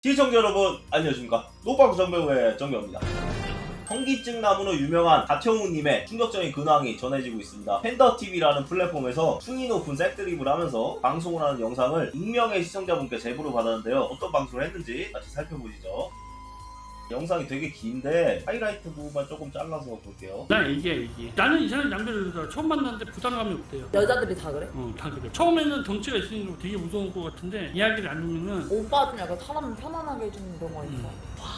시청자 여러분 안녕하십니까. 노방 정배우의 정배우입니다. 현기증 나무로 유명한 가태웅님의 충격적인 근황이 전해지고 있습니다. 팬더TV라는 플랫폼에서 충이 높은 색드립을 하면서 방송을 하는 영상을 익명의 시청자분께 제보를 받았는데요. 어떤 방송을 했는지 같이 살펴보시죠. 영상이 되게 긴데 하이라이트 부분만 조금 잘라서 볼게요. 나 얘기야. 나는 이상한 남자를 처음 만났는데 부담감이 없대요. 여자들이 다 그래? 다 그래. 처음에는 덩치가 있으니까 되게 무서울 것 같은데 이야기를 안 하면은 오빠 좀 약간 사람 편안하게 해주는 그런 거 있어.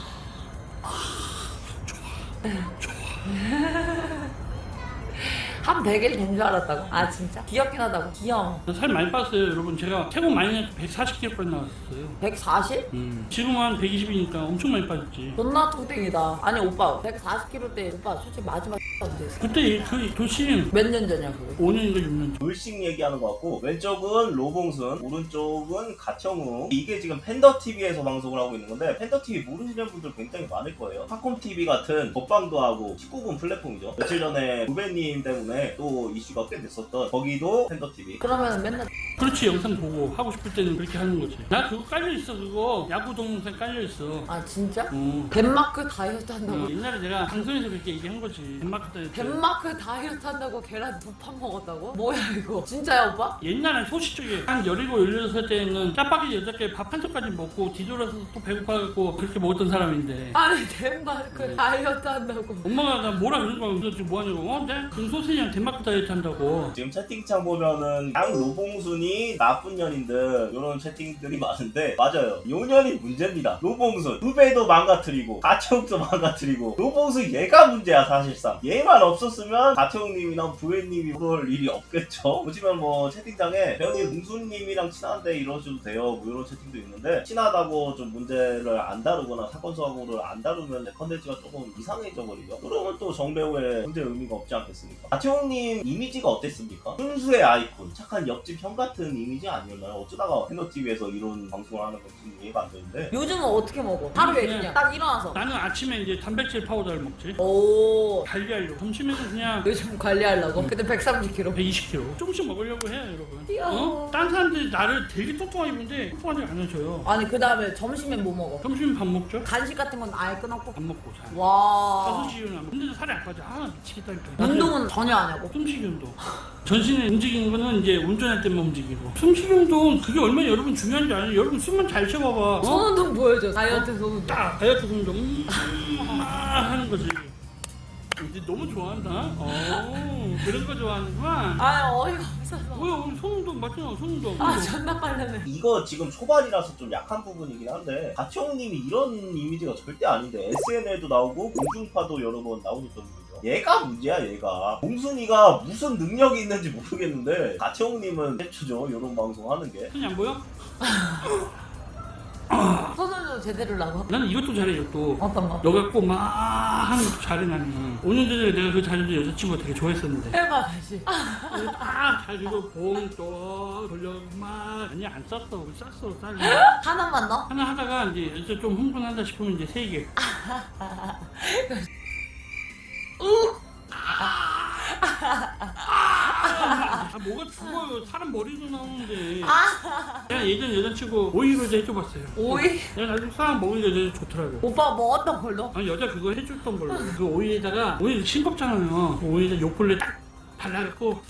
한 100일 된 줄 알았다고? 아 진짜? 귀엽긴 하다고? 귀여워. 살 많이 빠졌어요, 여러분. 제가 최고 많이 해서 140kg까지 나왔어요. 140? 지금 한 120이니까 엄청 많이 빠졌지. 존나 뚱땡이다. 아니 오빠 140kg 때 오빠 솔직히 마지막 언제였어? 그때 그 도심 몇 년 전이야 그게? 5년인가 6년 전. 물씩 얘기하는 것 같고 왼쪽은 로봉순, 오른쪽은 가태웅. 이게 지금 팬더TV에서 방송을 하고 있는 건데 팬더TV 모르시는 분들 굉장히 많을 거예요. 팝콘TV 같은 먹방도 하고 19금 플랫폼이죠. 며칠 전에 후배님 때문에 또 이슈가 꽤 됐었던 거기도 팬더TV. 그러면 맨날 그렇지. 영상 보고 하고 싶을 때는 그렇게 하는 거지. 나 그거 깔려있어. 그거 야구 동영상 깔려있어. 아 진짜? 덴마크 다이어트 한다고? 옛날에 내가 방송에서 그렇게 얘기한 거지. 덴마크 다이어트. 덴마크 다이어트 한다고 계란 2판 먹었다고? 뭐야 이거? 진짜야 오빠? 옛날에 소시적에 한 17, 16살 때는 짜파게티 8개 밥 한 젓까지 먹고 뒤돌아서 또 배고파갖고 그렇게 먹었던 사람인데 아니 덴마크 다이어트 한다고. 엄마가 나 뭐라 그런 거야. 그래서 지금 뭐하냐고. 내가 그 소세지랑 덴마크 다이어트 한다고. 지금 채팅창 보면은 양 로봉순이 나쁜 년인들 이런 채팅들이 많은데 맞아요. 요 년이 문제입니다. 로봉순 후배도 망가뜨리고 가태웅도 망가뜨리고 로봉순 얘가 문제야. 사실상 얘만 없었으면 가태웅님이나 부회님이 그럴 일이 없겠죠. 보시면 뭐 채팅창에 배우님 뭉순님이랑 친한데 이러셔도 돼요 뭐 이런 채팅도 있는데 친하다고 좀 문제를 안 다루거나 사건 사고를 안 다루면 내 컨텐츠가 조금 이상해져 버리죠. 그러면 또 정배우의 문제 의미가 없지 않겠습니까? 가태웅님 이미지가 어땠습니까? 순수의 아이콘, 착한 옆집 형 같은 이미지 아니었나요? 어쩌다가 팬더TV에서 이런 방송을 하는 건지 이해가 안 되는데 요즘은 어떻게 먹어? 하루에 그냥 딱 일어나서. 나는 아침에 이제 단백질 파우더를 먹지. 오. 관리하려고. 점심에는 그냥 요즘 관리하려고? 그때 130kg. 120kg. 조금씩 먹으려고 해요, 여러분. 귀여워. 딴 사람들이 나를 되게 똑똑하게 보는데 똑똑하지 않으셔요. 아니 그 다음에 점심엔 뭐 먹어? 점심 밥 먹죠? 간식 같은 건 아예 끊었고. 밥 먹고 자. 와. 5시나. 근데도 살이 안 빠져. 아, 미치겠다니까. 운동은 전혀 안 하고. 숨쉬기 운동. 전신에 움직이는 거는 이제 운전할 때만 움직이고. 숨쉬기 운동 그게 얼마나 여러분 중요한지 알아요? 여러분 숨만 잘 쉬어봐봐. 손 운동 보여줘. 다이어트 손 운동. 딱 다이어트 운동 하는 거지. 이제 너무 좋아한다. 그런 거 좋아하는구만. 아 어이가 없어서. 뭐야, 우리 손운동 맞잖아, 손운동. 아 존나 빨라네. 이거 지금 초반이라서 좀 약한 부분이긴 한데 가태웅님이 이런 이미지가 절대 아닌데 SNL도 나오고 공중파도 여러 번 나오셨던 분이죠. 얘가 문제야. 얘가 봉순이가 무슨 능력이 있는지 모르겠는데 가태웅님은 최초죠 이런 방송 하는 게. 손이 안 보여? 손 운동 제대로 하고. 나는 이것도 잘해, 이것도. 어떤 거? 너가 꼭 막 하는 것도 잘해, 나는. 5년 전에 내가 그 자리도 여자친구가 되게 좋아했었는데. 해봐 다시. 잘 이거 봉또 돌려고 막. 아니, 안 쌌어. 우리 쌌어, 쌀. 하나만 넣어? 하나 하다가 이제 좀 흥분한다 싶으면 이제 3개. 뭐가 죽어요. 사람 머리도 나오는데. 내가 예전 여자친구 오이로제 해줘봤어요. 오이? 내가 나중에 사람 먹으니까 되게 좋더라고. 오빠 뭐 어떤 걸로? 아니, 여자 그거 해줬던 걸로. 그 오이에다가, 오이 싱겁잖아요. 그 오이에다 요플레 딱 발라갖고.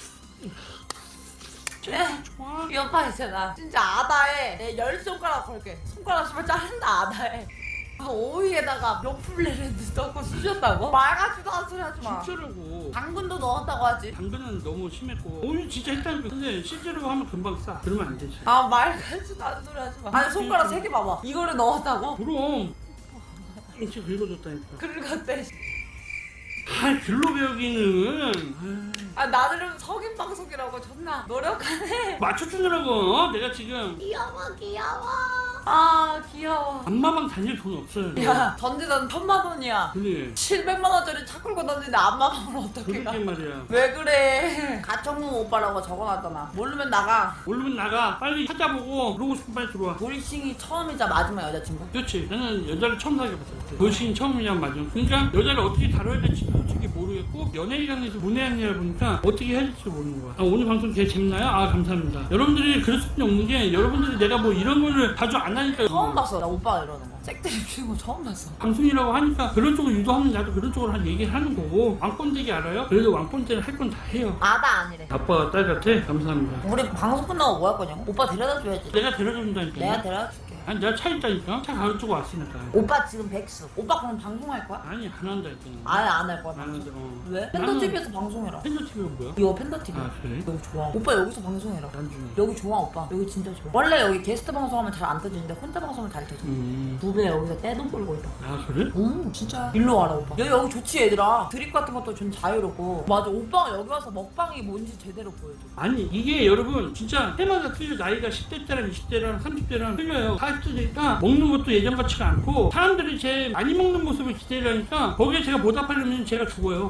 좋아. 이 오빠 있잖아. 진짜 아다에 내 10손가락 걸게. 손가락 씨발 자른다 아다에. 그 오이에다가 명플레를 넣고 쑤셨다고? 말 같지도 않은 소리 하지 마. 진짜라고. 당근도 넣었다고 하지. 당근은 너무 심했고 오이 진짜 했다니까. 근데 실제로 하면 금방 싸. 그러면 안 되지. 아 말 같지도 않은 소리 하지 마. 아니 손가락 3개 봐봐. 이거를 넣었다고? 그럼 진짜 긁어줬다니까. 긁었대. 아, 글로 배우기는. 아 나름 석인 방송이라고 존나 노력하네. 맞춰주느라고. 내가 지금 귀여워. 아 귀여워. 안마방 다닐 돈 없어요. 야 전지단 1000만 원이야. 근데 700만 원짜리 차 끌고 다니는데 안마방을 어떻게 가? 그렇게 말이야. 왜 그래? 가청문 오빠라고 적어놨잖아. 모르면 나가. 모르면 나가. 빨리 찾아보고 그러고 싶으면 빨리 들어와. 돌싱이 처음이자 마지막 여자친구? 그렇지. 나는 여자를 처음 사귀어봤어. 그때. 돌싱이 처음이냐 맞아. 그러니까 여자를 어떻게 다뤄야 될지 솔직히 모르겠고 연예인이랑에서 문외한이라 보니까 어떻게 해야 될지 모르는 거야. 오늘 방송 되게 재밌나요? 감사합니다. 여러분들이 그럴 수밖에 없는 게 여러분들이 내가 뭐 이런 거를 자주 안 하니까 처음 봤어. 나 오빠가 이러는 거. 잭들이 피는 거 처음 봤어. 방송이라고 하니까 그런 쪽으로 유도하면 나도 그런 쪽으로 한 얘기를 하는 거고 왕꼰대기 알아요? 그래도 왕꼰대는 할 건 다 해요. 아다 아니래. 아빠가 딸 같아? 감사합니다. 우리 방송 끝나고 뭐 할 거냐고? 오빠 데려다 줘야지. 내가 데려준다니까. 내가 데려다 줄게. 아니 내가 차 있다니까? 차 가지고 왔으니까. 오빠 지금 백수. 오빠 그럼 방송할 거야? 아니 안 한다 했잖아. 아예 안 할 거야. 안 한다. 왜? 팬더 TV에서 방송해라. 팬더 TV가 뭐야? 이거 팬더 TV. 아 그래? 여기 좋아. 오빠 여기서 방송해라. 난중에. 여기 좋아 오빠. 여기 진짜 좋아. 원래 여기 게스트 방송하면 잘 안 터지는데 혼자 방송은 잘 터져. 두배 여기서 떼돈 벌고 있다. 아 그래? 진짜. 일로 와라 오빠. 여기 좋지 얘들아. 드립 같은 것도 좀 자유롭고. 맞아 오빠가 여기 와서 먹방이 뭔지 제대로 보여줘. 아니 이게 여러분 진짜 해마다 틀려. 나이가 10대짜랑 20대랑 30대랑 틀려요. 40대니까 먹는 것도 예전 같지가 않고 사람들이 제 많이 먹는 모습을 기대를 하니까 거기에 제가 보답하려면 제가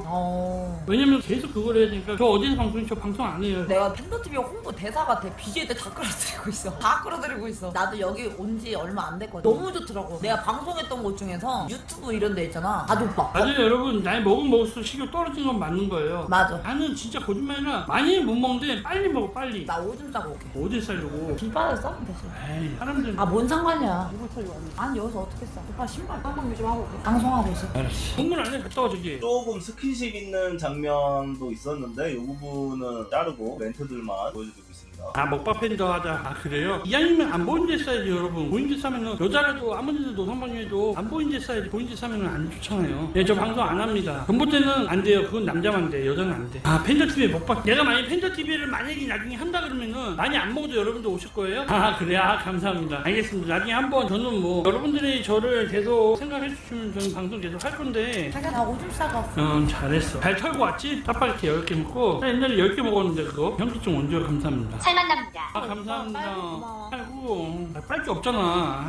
죽어요. 왜냐면 계속 그걸 해야 되니까 저 어디서 방송해? 저 방송 안 해요. 내가 팬더 TV 홍보 대사 같아. BJ들 다 끌어들이고 있어. 다 끌어들이고 있어. 나도 여기 온 지 얼마 안 됐거든. 너무 좋더라고. 내가 방송했던 곳 중에서 유튜브 이런 데 있잖아. 다 오빠. 맞아요 여러분. 나이 먹을수록 식욕 떨어진 건 맞는 거예요. 맞아. 나는 진짜 거짓말이라 많이 못 먹는데 빨리 먹어 빨리. 나 오줌 싸고 올게. 어딜 싸려고. 길바닥에 싸면 되지. 에이 사람들. 뭔 상관이야. 아니 여기서 어떻게 싸? 오빠 신발 깜빡이 좀 하고 올게. 방송하고 있어. 알았어. 동물 안에 갔다 와 저기. 조금 스킨십 있는 장면도 있었는데 이 부분은 자르고 멘트들만 보여드리고 있습니다. 먹방 팬더 하자. 그래요? 이왕이면 안 보인 데 싸야지 여러분. 보인 데 싸면은 여자라도 아무데도 노상방뇨해도 안 보인 데 싸야지. 보인 데 싸면은 안 좋잖아요. 예, 저 방송 안 합니다. 전부 때는 안 돼요. 그건 남자만 돼. 여자는 안 돼. 팬더 TV 먹방. 내가 만약 팬더 TV를 만약에 나중에 한다 그러면은 많이 안 먹어도 여러분들 오실 거예요? 그래. 감사합니다. 알겠습니다. 나중에 한번 저는 뭐 여러분들이 저를 계속 생각해 주시면 저는 방송 계속 할 건데. 자기야 나 오줌 싸고 왔어. 잘했어. 잘 털고 왔지? 짜파게티 10개 먹고. 나 옛날에 10개 먹었는데 그거. 현기증 원조 감사합니다. 잘 만납니다. 감사합니다. 고마워. 아이고, 빨 게 없잖아.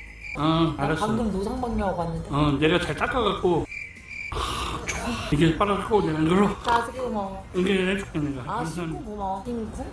알았어. 방금 노상방뇨하고 왔는데. 내가 잘 닦아갖고. 좋아. 이게 빨아갖고 내가 이걸로 자식이 고마워. 응애해줄게 내가. 신고 감사합니다. 고마워. 신고?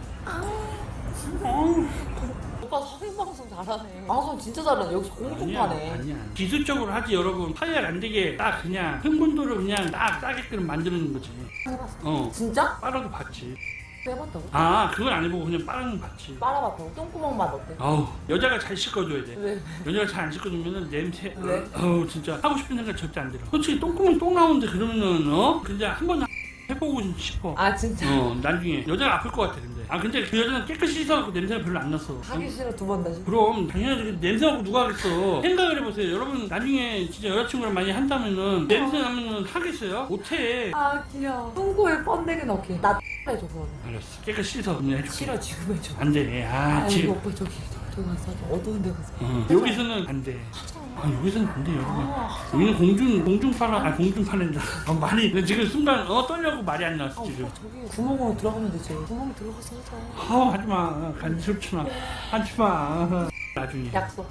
오빠 성인방송 잘하네. 방송 진짜 잘하네. 여기서 공통파네. 아니야. 기술적으로 하지 여러분. 파열 안 되게 딱 그냥 흥분도를 그냥 딱 싸게끔 만드는 거지. 해봤어. 진짜? 빨아도 봤지. 해봤다고? 그건 안 해보고 그냥 빨아는 봤지. 빨아봤다고? 똥구멍 맛 어때? 여자가 잘 씻어줘야 돼. 왜? 여자가 잘 안 씻어주면은 냄새. 왜? 진짜 하고 싶은 생각 절대 안 들어. 솔직히 똥구멍 똥 나오는데 그러면은 근데 한 번 해보고 싶어. 진짜? 나중에 여자가 아플 것 같아 근데 그 여자는 깨끗이 씻어갖고 냄새가 별로 안 났어. 하기 싫어 2번 다시. 그럼 당연하지. 냄새 나고 누가 하겠어. 생각을 해보세요. 여러분 나중에 진짜 여자친구랑 많이 한다면은 냄새 나면은 하겠어요? 못해. 귀여워. 똥꼬에 번데기 넣기. 나 해줘 그거는. 알았어. 깨끗이 씻어. 그냥 해줄게. 싫어 지금 해줘. 안 돼. 이거 지금. 오빠 저기 가서 어두운 데 가서. 여기서는 안 돼. 여기서는 안 돼, 여러분. 여기는 공중파라, 공중파랜다. 말이, 지금 순간, 떨려고 말이 안 나왔어, 지금. 저기 구멍으로 들어가면 되지. 구멍 들어가서 하자. 하지 마. 간지럽지마. 하지 마. 나중에. 약속.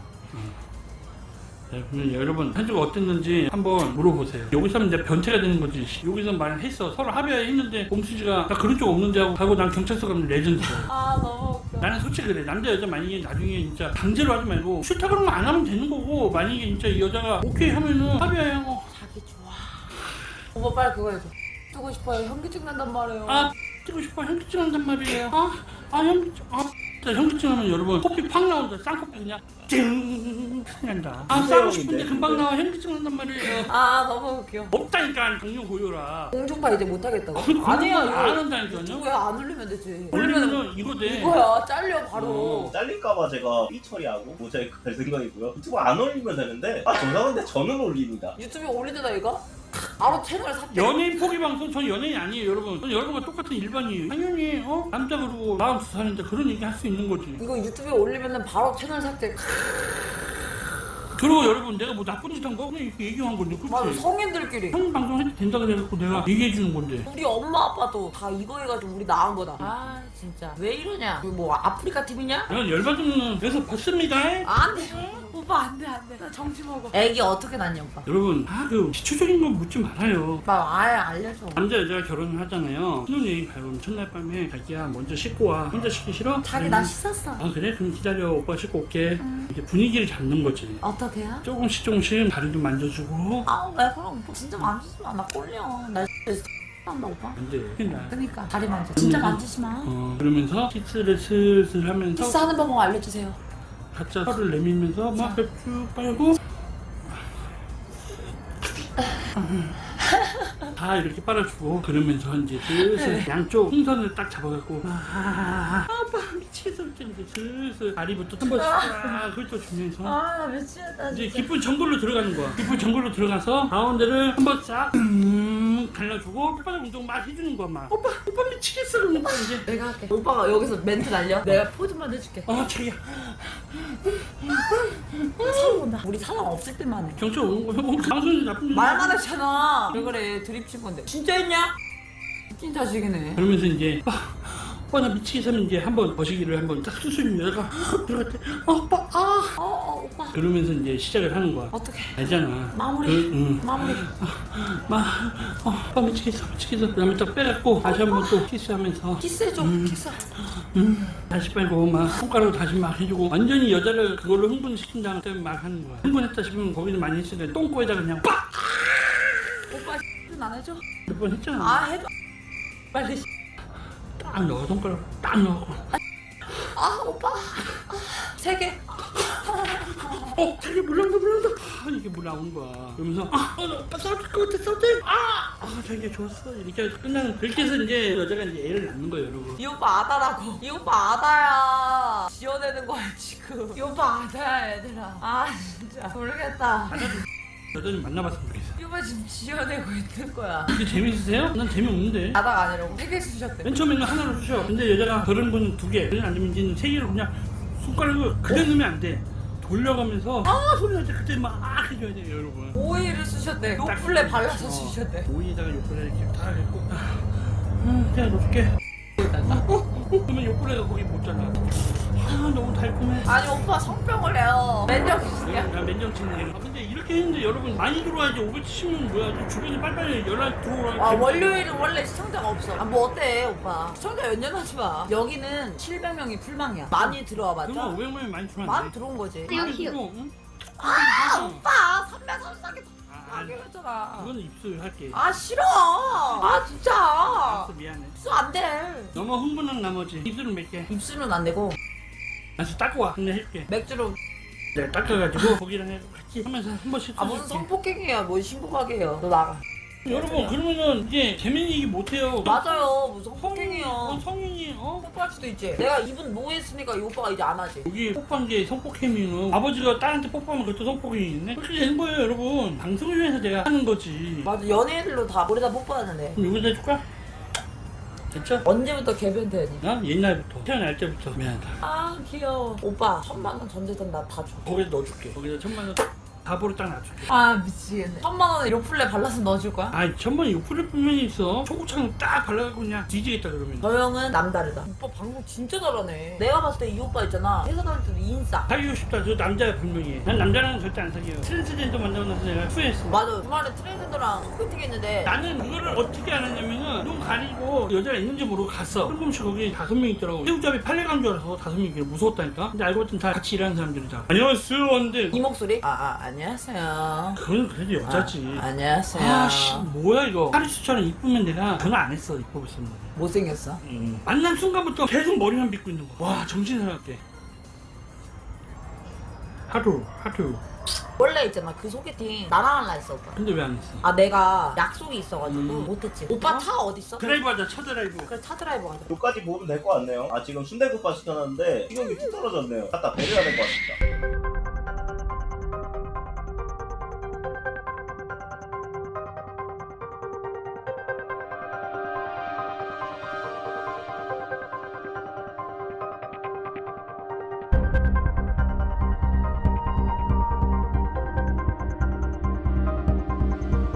네, 그러면 여러분 현주가 어땠는지 한번 물어보세요. 여기서 하면 내가 변태가 되는 거지. 여기서 말했어. 서로 합의했는데 봄수지가 나 그런 쪽 없는데 하고 난 경찰서 가면 레전드야. 너무 웃겨. 나는 솔직히 그래. 남자 여자 만약에 나중에 진짜 강제로 하지 말고 싫다 그러면 안 하면 되는 거고, 만약에 진짜 이 여자가 오케이 하면은 합의하고. 자기 좋아. 오빠 빨리 그거 해줘. 뜨고 싶어요. 현기증 난단 말이에요. 뜨고 싶어. 현기증 한단 말이에요. 현기증. 자, 현기증 하면 여러분 코피 팍 나온다. 쌍코피 그냥 찡 난다. 싸고 싶은데 금방 나와. 현기증 난단 말이에요. 너무 웃겨. 없다니까. 동료 고요라. 공중파 이제 못하겠다고. 아니야. 안 한다니까요. 왜 안 올리면 되지? 올리면은 이거 돼. 이거야. 잘려 바로. 잘릴까봐 제가 삐 처리하고 모자이크 할 생각이고요. 유튜브 안 올리면 되는데 죄송한데 저는 올립니다. 유튜브에 올리잖아 이거? 바로 채널 삭제. 연예인 포기 방송. 전 연예인 아니에요 여러분. 전 여러분과 똑같은 일반이에요. 당연히 남자 그러고 42살인데 그런 얘기 할 수 있는 거지. 이거 유튜브에 올리면은 바로 채널 삭제. 그리고 여러분 내가 뭐 나쁜 짓 한 거? 그냥 이렇게 얘기한 건데 맞아 그렇지? 성인들끼리. 형 방송 해도 된다 그래갖고 내가 얘기해 주는 건데. 우리 엄마 아빠도 다 이거 해가지고 우리 낳은 거다. 진짜 왜 이러냐? 이거 뭐 아프리카 TV냐? 내가 열받으면 그래서 벗습니다. 안돼. 오빠 오빠 안돼 안돼. 나 정신 먹어. 애기 어떻게 낳냐 오빠? 여러분 그 기초적인 건 묻지 말아요. 오빠 아예 알려줘. 남자 여자가 결혼을 하잖아요. 신혼여행 가요. 첫날 밤에 자기야 먼저 씻고 와. 혼자 씻기 싫어? 자기 나 씻었어. 아 그래? 그럼 기다려. 오빠 씻고 올게. 이렇게 분위기를 잡는 거지. 어떻게요? 조금씩 다리도 만져주고. 아 왜 그럼 오빠 진짜 만지지 마. 나 꼴려. 나 한다 오빠. 안 돼. 그냥. 그러니까 다리 만져. 진짜 만지지 마. 그러면서 키스를 슬슬 하면서 키스하는 방법 알려주세요. 각자 혀를 내밀면서 막 쭉 빨고 다 이렇게 빨아주고 그러면서 이제 슬슬 양쪽 풍선을 딱 잡아갖고 아빠 미치겠어 이제 슬슬 다리부터 한 번씩 쫙 훑어주면서 아 미치겠다 이제 진짜. 깊은 정글로 들어가는 거야. 깊은 정글로 들어가서 가운데를 한 번 싹 갈라주고 혓바닥 운동 막 해주는 거야 막. 오빠 미치겠어 그러니까 이제 내가 할게. 오빠가 여기서 멘트 날려. 내가 포즈만 해줄게. 자기야 사람 온다. 우리 사람 없을 때만 해. 경찰 오는 거야. 방송이 나쁜 일 말만 했잖아. 왜 그래 드립 친 건데. 진짜 했냐? 웃긴 자식이네. 그러면서 이제 나 미치겠어 하면 이제 한번 거시기를 한번 딱 수술이 여자가 들어갈 때 오빠 오빠. 그러면서 이제 시작을 하는 거야. 어떻게? 알잖아. 마무리. 마무리. 오빠 미치겠어. 그다음에 딱 빼갖고 다시 한번 또 키스하면서 키스해줘. 키스. 다시 빼고 막 손가락으로 다시 막 해주고 완전히 여자를 그걸로 흥분시킨 다음에 막 하는 거야. 흥분했다 싶으면 거기는 많이 했으니까 똥꼬에다 그냥 빡! 오빠 안 해줘? 몇 번 했잖아. 아 해줘. 빨리. 딱 넣어 손가락 딱 넣어. 오빠. 3개. 자기 물 나온다. 이게 물 나오는 거야. 그러면서 오빠 싸울 것 같아. 자기가 좋았어. 이렇게 해서 끝나는. 그렇게 해서 이제 여자가 이제 애를 낳는 거예요, 여러분. 이 오빠 아다라고. 이 오빠 아다야. 지어내는 거야 지금. 이 오빠 아다야 얘들아. 아 진짜 모르겠다. 여자님 만나봤으면 좋겠어. 이 오빠 지금 지어내고 있는 거야. 이게 재밌으세요? 난 재미없는데. 아다가 아니라고 3개 주셨대. 맨 처음에는 하나로 쑤셔. 근데 여자가 그런 거는 2개. 그냥 안 되면 이제는 3개로 그냥 손가락을 그대로 넣으면 안 돼. 돌려가면서 소리 날 때 그때 막 해줘야 돼요, 여러분. 오이를 쓰셨대. 요플레 발라서 쓰셨대. 오이에다가 요플레 이렇게 다 했고 그냥 넣을게. 그러면 요플레가 거기 못 자라. 너무 달콤해. 아니 오빠 성병을 해요. 맨정신이야. 나 맨정신이야. 근데 이렇게 했는데 여러분 많이 들어와야지. 570명 뭐야. 주변에 빨리빨리 연락 들어오라. 월요일은 원래 시청자가 없어. 뭐 어때 오빠? 시청자 연연하지 마. 여기는 700명이 풀망이야. 많이 들어와 봤죠? 그러면 500명이 많이 들어왔네. 많이 들어온 거지. 많이 들어. 응? 오빠 334개 하기로잖아. 그건 입술할게. 싫어. 진짜. 알았어, 미안해. 입술 안 돼. 너무 흥분한 나머지 입술은 몇 개. 입술은 안 되고 알았어, 닦고 와. 근데 해줄게. 맥주로. 내가 닦아가지고 거기랑 해서 같이 하면서 한 번씩 무슨 해줄게. 성폭행이야. 뭐 신고하게 해요. 너 나가. 여러분 그러면은 이제 재밌는 얘기 못해요. 맞아요. 무슨 성인이 성폭행이야. 성인이 뽀뽀할 수도 있지. 내가 입은 노했으니까 이 오빠가 이제 안 하지. 여기 뽀뽀한 게 성폭행이면 아버지가 딸한테 뽀뽀하면 그것도 성폭행이 있네? 그렇게 되는 거예요, 여러분. 방송을 위해서 내가 하는 거지. 맞아. 연예인들로 다 우리 다 뽀뽀하는데. 그럼 여기다 해줄까? 됐죠? 언제부터 개변태니? 나 옛날부터 태어날 때부터 미안하다. 귀여워. 오빠 1000만 원 전재산 나 다 줘. 거기다 넣어줄게. 거기다 1000만 원 답으로 딱 놔줄게. 미치겠네. 1000만 원에 요플레 발라서 넣어줄 거야? 1000만 요플레 분명히 있어. 초고창 딱 발라갖고 그냥 뒤지겠다 그러면. 저 형은 남다르다. 오빠 방송 진짜 잘하네. 내가 봤을 때 이 오빠 있잖아. 회사 다닐 때도 인싸. 사귀고 싶다. 저 남자야 분명히. 난 남자랑은 절대 안 사귀어요. 트랜스젠더 만나고 나서 내가 후회했어. 맞아. 주말에 트랜스젠더랑 소개팅 했는데 나는 그거를 어떻게 알았냐면은 눈 가리고 여자가 있는지 모르고 갔어. 뜬금없이 거기 5명 있더라고. 새우잡이 팔레간 줄 알아서 5명이 무서웠다니까. 근데 알고 봤더니 다 같이 일하는 사람들이다. 안녕하세요 왔는데 이 목소리? 안녕하세요. 그건 그래도 여자지. 안녕하세요. 뭐야 이거. 파리스처럼 이쁘면 내가 전화 안 했어. 이뻐 보였으면. 못생겼어? 만난 순간부터 계속 머리만 빗고 있는 거야. 와 정신 사납게. 하루. 원래 있잖아. 그 소개팅 나랑 할라 했어 오빠. 근데 왜 안 했어? 내가 약속이 있어가지고 못했지. 오빠 차 어딨어? 드라이브 하자. 차 드라이브. 그래 차 드라이브 가자. 여기까지 보면 될 것 같네요. 지금 순대국밥 시켜놨는데 식욕이 뚝 떨어졌네요. 갖다 배려야 될 것 같습니다.